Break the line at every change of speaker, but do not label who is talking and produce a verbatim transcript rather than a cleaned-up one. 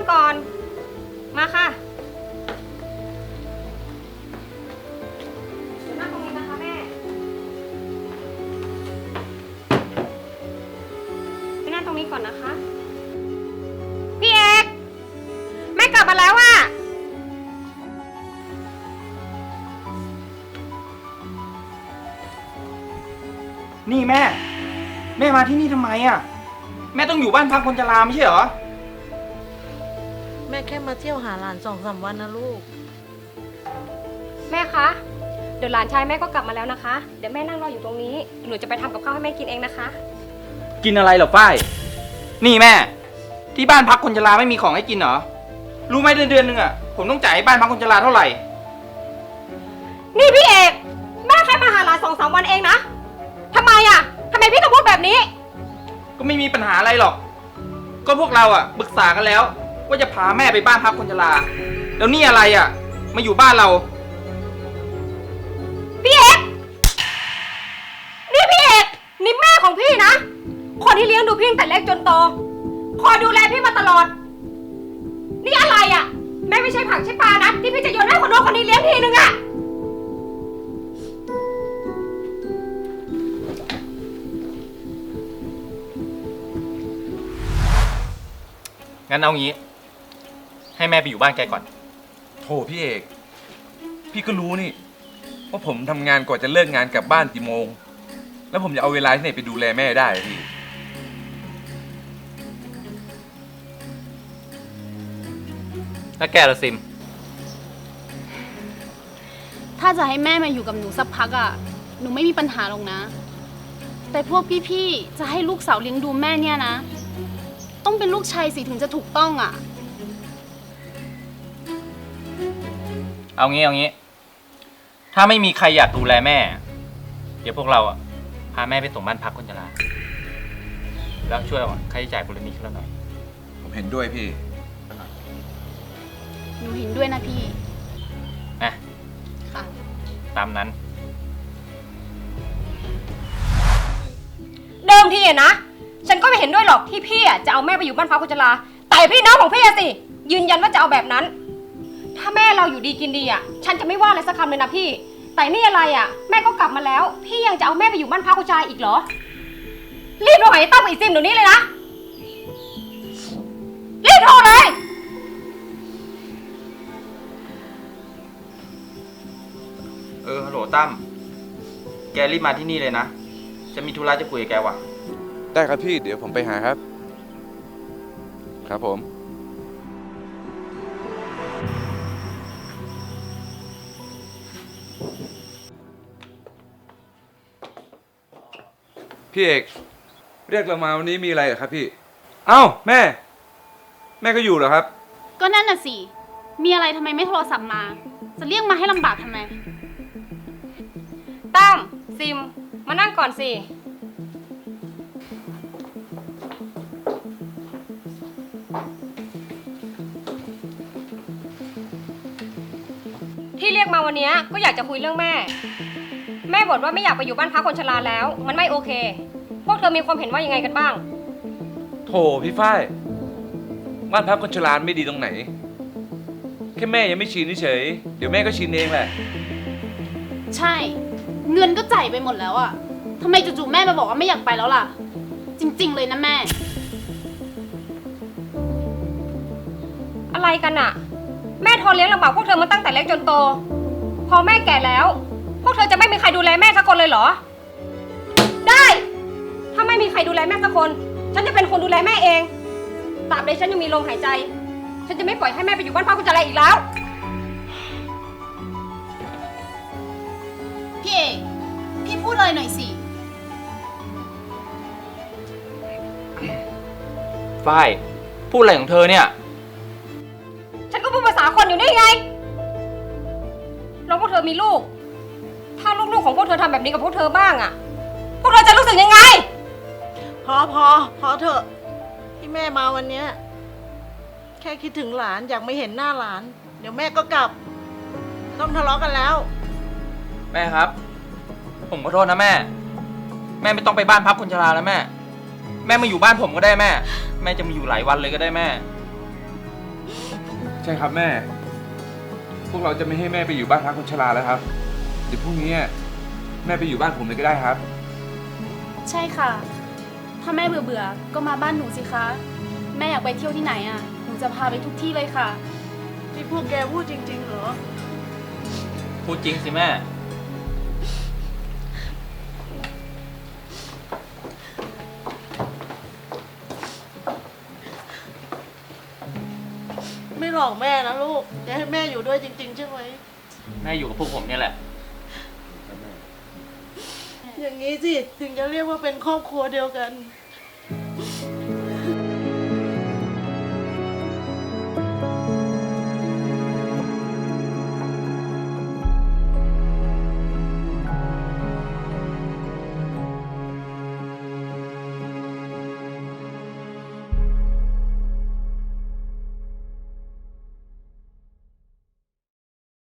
ก่อนมาค่ะเดี๋ยวนั่งตรงนี้นะคะแม่ไปนั่งตรงนี้ก่อนนะคะพี่เอกแม่กลับมาแล้วอะ
นี่แม่แม่มาที่นี่ทำไมอ่ะแม่ต้องอยู่บ้านพักคนชราไม่ใช่เหรอ
แม่แค่มาเที่ยวหาหลานสองสามวันนะลูก
แม่คะเดี๋ยวหลานชายแม่ก็กลับมาแล้วนะคะเดี๋ยวแม่นั่งรออยู่ตรงนี้หนูจะไปทำกับข้าวให้แม่กินเองนะคะ
กินอะไรเหรอฝ้ายนี่แม่ที่บ้านพักคนชราไม่มีของให้กินเหรอรู้ไหมเดือนเดือนหนึ่งอ่ะผมต้องจ่ายให้บ้านพักคนชราเท่าไหร่
นี่พี่เอกแม่แค่มาหาหลานสองสามวันเองนะทำไมอ่ะทำไมพี่ต้องพูดแบบนี้
ก็ไม่มีปัญหาอะไรหรอกก็พวกเราอ่ะปรึกษากันแล้วว่าจะพาแม่ไปบ้านพักคนชราแล้วนี่อะไรอ่ะมาอยู่บ้านเรา
พี่เอกนี่พี่เอกนี่แม่ของพี่นะคนที่เลี้ยงดูพี่ตั้งแต่เล็กจนโตคอยดูแลพี่มาตลอดนี่อะไรอ่ะแม่ไม่ใช่ผักใช่ปลานะที่พี่จะโยนให้คนโน้นคนนี้เลี้ยงทีนึงอ่ะ
งั้นเอางี้ให้แม่ไปอยู่บ้านแกก่อน
โถพี่เอกพี่ก็รู้นี่ว่าผมทำงานกว่าจะเลิกงานกลับบ้านกี่โมงแล้วผมจะเอาเวลาที่ไหนไปดูแลแม่ได้พี่
แล้วแกละซิม
ถ้าจะให้แม่มาอยู่กับหนูสักพักอ่ะหนูไม่มีปัญหาหรอกนะแต่พวกพี่ๆจะให้ลูกสาวเลี้ยงดูแม่เนี่ยนะต้องเป็นลูกชายสิถึงจะถูกต้องอ่ะ
เอางี้เอางี้ถ้าไม่มีใครอยากดูแลแม่เดี๋ยวพวกเราอ่ะพาแม่ไปส่งบ้านพักคนชราแล้วช่วยเอาค่าใช้จ่ายบริณีขึ้นเราหน่อย
ผมเห็นด้วยพี่
หนูเห็นด้วยนะพี่
นะ
ค่ะ
ตามนั้น
เดิมทีอะนะฉันก็ไม่เห็นด้วยหรอกที่พี่อะจะเอาแม่ไปอยู่บ้านพักคนชราแต่พี่น้องของพี่อะสิยืนยันว่าจะเอาแบบนั้นถ้าแม่เราอยู่ดีกินดีอะฉันจะไม่ว่าอะไรสักคำเลยนะพี่แต่นี่อะไรอะแม่ก็กลับมาแล้วพี่ยังจะเอาแม่ไปอยู่บ้านพักคนชราอีกเหรอรีบโทรหาไอ้ตั้มกับไอ้ซิมเดี๋ยวนี้เลยนะรีบโทรเลย
เออฮัลโหลตั้มแกรีบมาที่นี่เลยนะจะมีธุระจะคุยกับแกว่ะ
ได้ครับพี่เดี๋ยวผมไปหาครับครับผมพี่เอกเรียกเรามาวันนี้มีอะไรเหรอครับพี่เอ้าแม่แม่ก็อยู่เหรอครับ
ก็นั่นน่ะสิมีอะไรทำไมไม่โทรศัพท์มาจะเรียกมาให้ลำบากทำไม
ตั้มซิมมานั่งก่อนสิที่เรียกมาวันนี้ก็อยากจะคุยเรื่องแม่แม่บ่นว่าไม่อยากไปอยู่บ้านพักคนชราแล้วมันไม่โอเคพวกเธอมีความเห็นว่ายังไงกันบ้าง
โถพี่ฝ้ายบ้านพักคนชราไม่ดีตรงไหนแค่แม่ยังไม่ชินเฉยเดี๋ยวแม่ก็ชินเองแหละ
ใช่เงินก็จ่ายไปหมดแล้วอะทำไมจู่ๆแม่มาบอกว่าไม่อยากไปแล้วล่ะจริงๆเลยนะแม่
อะไรกันอะแม่ทนเลี้ยงลำบากพวกเธอมาตั้งแต่เล็กจนโตพอแม่แก่แล้วพวกเธอจะไม่มีใครดูแลแม่สักคนเลยเหรอได้ถ้าไม่มีใครดูแลแม่สักคนฉันจะเป็นคนดูแลแม่เองตราบใดฉันยังมีลมหายใจฉันจะไม่ปล่อยให้แม่ไปอยู่บ้านพักคนชราอีกแล้ว
พี่เอกพี่พูดเลยหน่อยสิ
ฝ้ายพูดอะไรของเธอเนี่ย
ฉันก็พูดภาษาคนอยู่นี่ไงแล้วพวกเธอมีลูกถ้าลูกๆของพวกเธอทำแบบนี้กับพวกเธอบ้างอะพวกเธอจะรู้สึกยังไง
พอพอพอเถอะที่แม่มาวันเนี้ยแค่คิดถึงหลานอยากไม่เห็นหน้าหลานเดี๋ยวแม่ก็กลับต้องทะเลาะกันแล้ว
แม่ครับผมขอโทษนะแม่แม่ไม่ต้องไปบ้านพักคนชราแล้วแม่แม่มาอยู่บ้านผมก็ได้แม่แม่จะมาอยู่หลายวันเลยก็ได้แม่
ใช่ครับแม่ พวกเราจะไม่ให้แม่ไปอยู่บ้านพักคนชราแล้วครับ เดี๋ยวพรุ่งนี้แม่ไปอยู่บ้านผมเลยก็ได้ครับ
ใช่ค่ะ ถ้าแม่เบื่อเบื่อๆก็มาบ้านหนูสิคะ แม่อยากไปเที่ยวที่ไหนอ่ะ หนูจะพาไปทุกที่เลยค่ะ
ที่พวกแกพูดจริง ๆ เหรอ
พูดจริงสิแม่
ไม่หลอกแม่นะลูกจะให้แม่อยู่ด้วยจริง ๆ ใช่ไหม
แม่อยู่กับพวกผมเนี่ยแหละ
อย่างนี้สิถึงจะเรียกว่าเป็นครอบครัวเดียวกัน
ใ